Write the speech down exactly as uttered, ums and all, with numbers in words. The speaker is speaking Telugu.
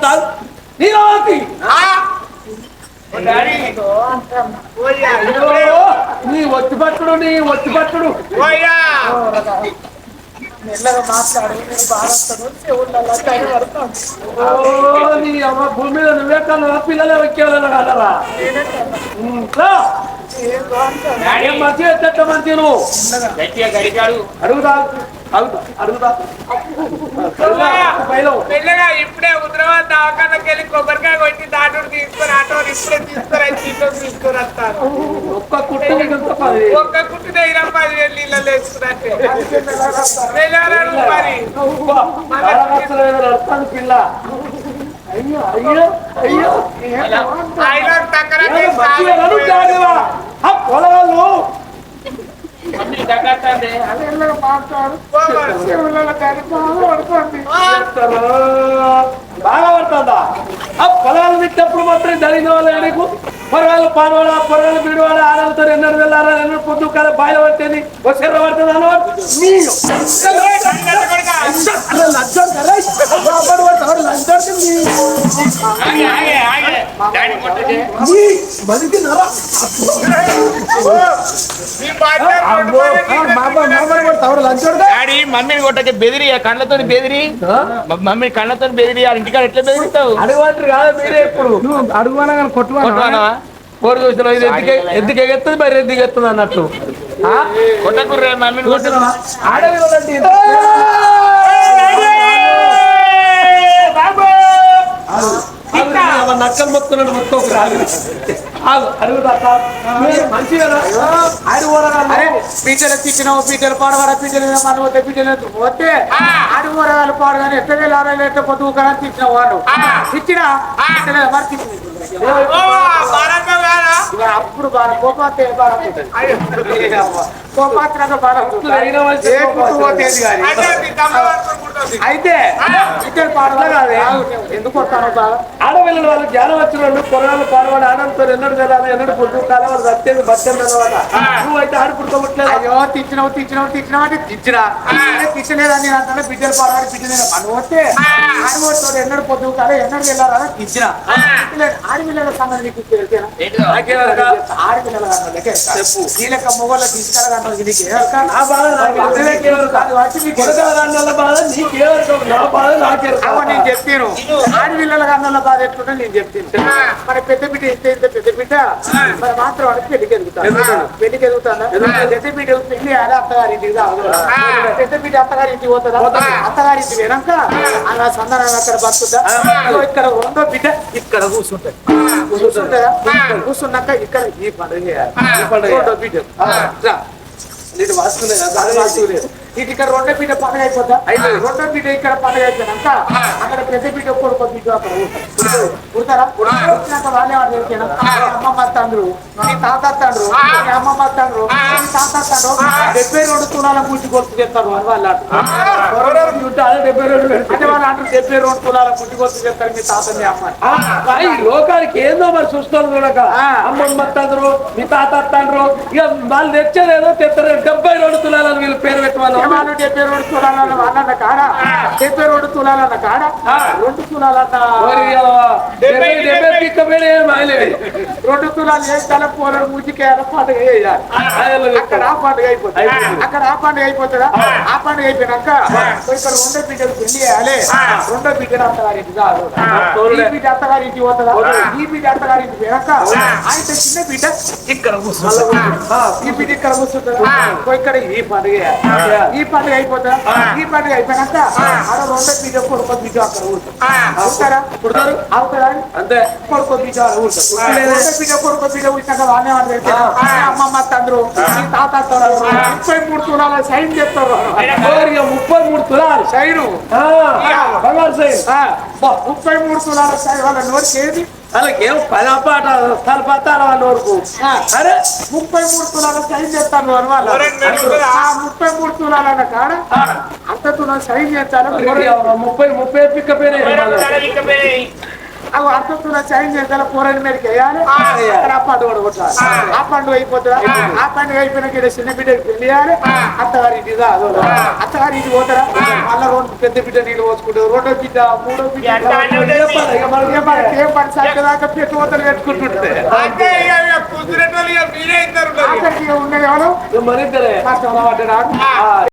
నీరావతి నీ ఒత్తి పట్టుడు నీ ఒత్తి పట్టుడు మెల్లగా మాట్లాడు నేను బాధపడతాను చెవులలో టైం పడుతుంది నీ అమ్మ భూమి మీద నువ్వే కన్నా పిల్లలే వచ్చేవాళ్ళ కదరా మంచిగా చెట్ట మంచి నువ్వు గట్టిగా గడిగాడు అడుగుదా అడుగుతా అడుగుదా మెల్లగా ఇప్పుడే హుద్రాబాద్ దవాఖానకి వెళ్ళి కొబ్బరికాయ కొట్టి దాటుడు తీసుకొని ఆటో ఇప్పుడే తీసుకొని ఇంట్లో తీసుకొని వస్తాను. ఒక్క కుట్టు ఒక్క కుట్టు దగ్గర పదివేలు నీళ్ళు వేసుకున్నట్టే మరి పిల్ల అయ్యో అయ్యో అయ్యో ఆయన టక్కర పొలగాళ్ళు బాగా పడుతుందా ఆ పొలాలు తిట్టినప్పుడు మాత్రం జరిగిన వాళ్ళు నీకు పొరగాళ్ళు పానవాడ పొరగాళ్ళు బిడివాడ ఆడలతో ఎన్నడు వెళ్ళారా ఎన్నడు పొద్దు కాదు బాయిల పట్టేది వచ్చే పడుతుంది అన్నవాడు డాడీ మమ్మీని కొట్టకే బెదిరి కళ్ళతో బెదిరి మమ్మీ కళ్ళతో బెదిరి ఇంటికాడ ఎట్లా బెదిరిస్తావు అడుగుంటారు కాదు మీరే ఇప్పుడు అడుగునా కానీ కొట్టుకున్నావా కోరు చూసిన ఇది ఎందుకు ఎందుకు ఎగెత్తుంది మరి ఎందుకు ఎత్తుంది అన్నట్టు కొట్టకుర్రే మమ్మీని కొట్టు ఆడవిలండి నక్కలు మొత్తున్నాడు మొత్తం రాదు అడుగుతా మంచిగా పీటలు తిట్టినావు పీటలు పాడవాడ పీటలు మనం వస్తే పీటలు పోతే ఆడి ఊరగాలు పాడగానే ఎట్ట వేలు ఆరు ఎట్ట పొద్దు కానీ తిట్టిన వాళ్ళు తిట్టినా మరి తిట్టిన అప్పుడు బాగా కోపాతే బాగా కోపాత్రంగా బాగా అయితే ఇద్దరు పాడలా కాదు ఎందుకు వస్తాను బాగా ఆడపిల్లల వాళ్ళు జ్ఞానం వచ్చిన వాళ్ళు పొలాలు పాడవాడు ఆనంతో ఎన్నడు వెళ్ళాలి ఎన్నడు పొద్దు కాలం వాళ్ళు సత్యేది బత్యం అన్నమాట నువ్వు అయితే ఆడు పుట్టుకోవట్లేదు అయ్యో తిచ్చినావు తిచ్చినావు తిచ్చినావు అంటే తిచ్చినా తిచ్చలేదని అంటే బిడ్డలు పాడవాడు బిడ్డలేదు మనం వస్తే ఆడవాడు ఎన్నడు పొద్దు కాలం ఎన్నడు వెళ్ళాలని తిచ్చినా ఆడపిల్లల సంగతి నీకు తెలిసేనా ఆడపిల్లల చెప్పు ఈ లెక్క మొగోళ్ళ తీసుకెళ్ళగా నేను చెప్పాను ఆడపిల్లల కన్నా బాధ ఎట్లుంటే నేను చెప్తాను మరి పెద్ద బిడ్డ ఇస్తే ఇంత పెద్ద బిడ్డ మరి మాత్రం వాడికి పెళ్లికి ఎదుగుతాను పెళ్లికి ఎదుగుతాను పెద్ద బిడ్డ పెళ్లి అదే అత్తగారింటికి పెద్ద బిడ్డ అత్తగారింటికి పోతుందా అత్తగారింటి వెనక అలా సందర్భంగా అక్కడ బతుకుతా ఇక్కడ రెండో బిడ్డ ఇక్కడ కూర్చుంటది కూర్చుంటుందా కూర్చున్నాక ఇక్కడ ఈ పండుగ చేయాలి ఈ పండుగ రెండో బిడ్డ నీకు వాసుకులేదు వాసుకులేదు ఇది ఇక్కడ రెండో బిడ్డ పండుగ అయిపోతా రెండో బిడ్డ ఇక్కడ పండుగ అయిపోయినాక అక్కడ పెద్ద బిడ్డ కొడుకో బిడ్డ అక్కడ పుడతారా పుట్టినాక వాళ్ళే వాడు తెలిసిన అమ్మమ్మ తండ్రు నీ తాత తండ్రు నీ అమ్మమ్మ తండ్రు నీ తాత తండ్రు డెబ్బై రెండు తులాల ముట్టి కొడుకు చెప్తారు అని వాళ్ళు అంటారు డెబ్బై రెండు అంటే వాళ్ళు అంటారు డెబ్బై రెండు తులాల ముట్టి కొడుకు చెప్తారు మీ తాత మీ అమ్మ లోకానికి ఏందో మరి చూస్తారు చూడక అమ్మమ్మ తండ్రు మీ తాత తండ్రు ఇక వాళ్ళు తెచ్చేదేదో తెస్తారు డెబ్బై రెండు తులాలని వీళ్ళు పేరు పెట్టాలి వాళ్ళు డెబ్బై రెండు తులాలన్న వాళ్ళన్న కాడ డెబ్బై రెండు తులాలన్న కాడ రెండు తులాలన్న రెండు తులాలు వేస్తాల పోరాడు ముజికేయాల పండుగ వేయాలి అక్కడ ఆ పండుగ అయిపోతుంది అక్కడ ఆ పండుగ అయిపోతుందా ఆ పండుగ అయిపోయినాక ఇక్కడ రెండో బిడ్డలు పెళ్లి చేయాలి రెండో బిడ్డ అత్తగారింటి కాదు ఈ బిడ్డ అత్తగారింటి పోతుందా ఈ బిడ్డ అత్తగారింటి పోయాక ఆయన చిన్న బిడ్డ ఇక్కడ కూర్చుంటా ఈ బిడ్డ ఇక్కడ కూర్చుంటారు ఇక్కడ ఈ పండుగ ఈ పండుగ అయిపోతుందా ఈ పండుగ అయిపోయినాక ఆడ రెండో బిడ్డ కొడుకో బిడ్డ అక్కడ కూర్చుంటారా పుడతారు అవుతారా అంతే కొడుకో బిడ్డ రెండో బిడ్డ కొడుకో బిడ్డ కూర్చాక వాళ్ళే అమ్మమ్మ తండ్రు తాత ముప్పై మూడు తులాల సైన్ చెప్తారు ముప్పై మూడు తులాలు సైను బంగారు సైన్ ముప్పై మూడు తులాల సైన్ వాళ్ళ నోటికి ఏది వాళ్ళకేం పదపాట తలపతారు వాళ్ళ వరకు అరే ముప్పై మూడు తులాల సైన్ చేస్తాను అని వాళ్ళు ముప్పై మూడు తులాలన్న కాడ అంత తులాలు సైన్ చేస్తాను ముప్పై ముప్పై పిక్క పేరు అవి అర్థంతో సైన్ చేయాలి కూరని మీదకి వేయాలి అక్కడ ఆ పండుగ కూడా కొట్టాలి ఆ పండుగ అయిపోతుందా ఆ పండుగ అయిపోయినాక ఈడ చిన్న బిడ్డకి పెళ్లి చేయాలి అత్తగారి ఇంటి కాదు అత్తగారి ఇంటికి పోతారా మళ్ళా రెండు పెద్ద బిడ్డ నీళ్ళు పోసుకుంటారు రెండో బిడ్డ మూడో బిడ్డ ఇక మనకి మనకి ఏం పని సాగదాకా పెట్టి పోతలు పెట్టుకుంటుంటే అంటే ఇక కూతురెట్టోళ్ళు ఇక మీరే ఇద్దరు ఉన్నారు. ఆఖరికి ఇక ఉన్నది ఎవరు మరిద్దరే కష్టం పడ్డాడు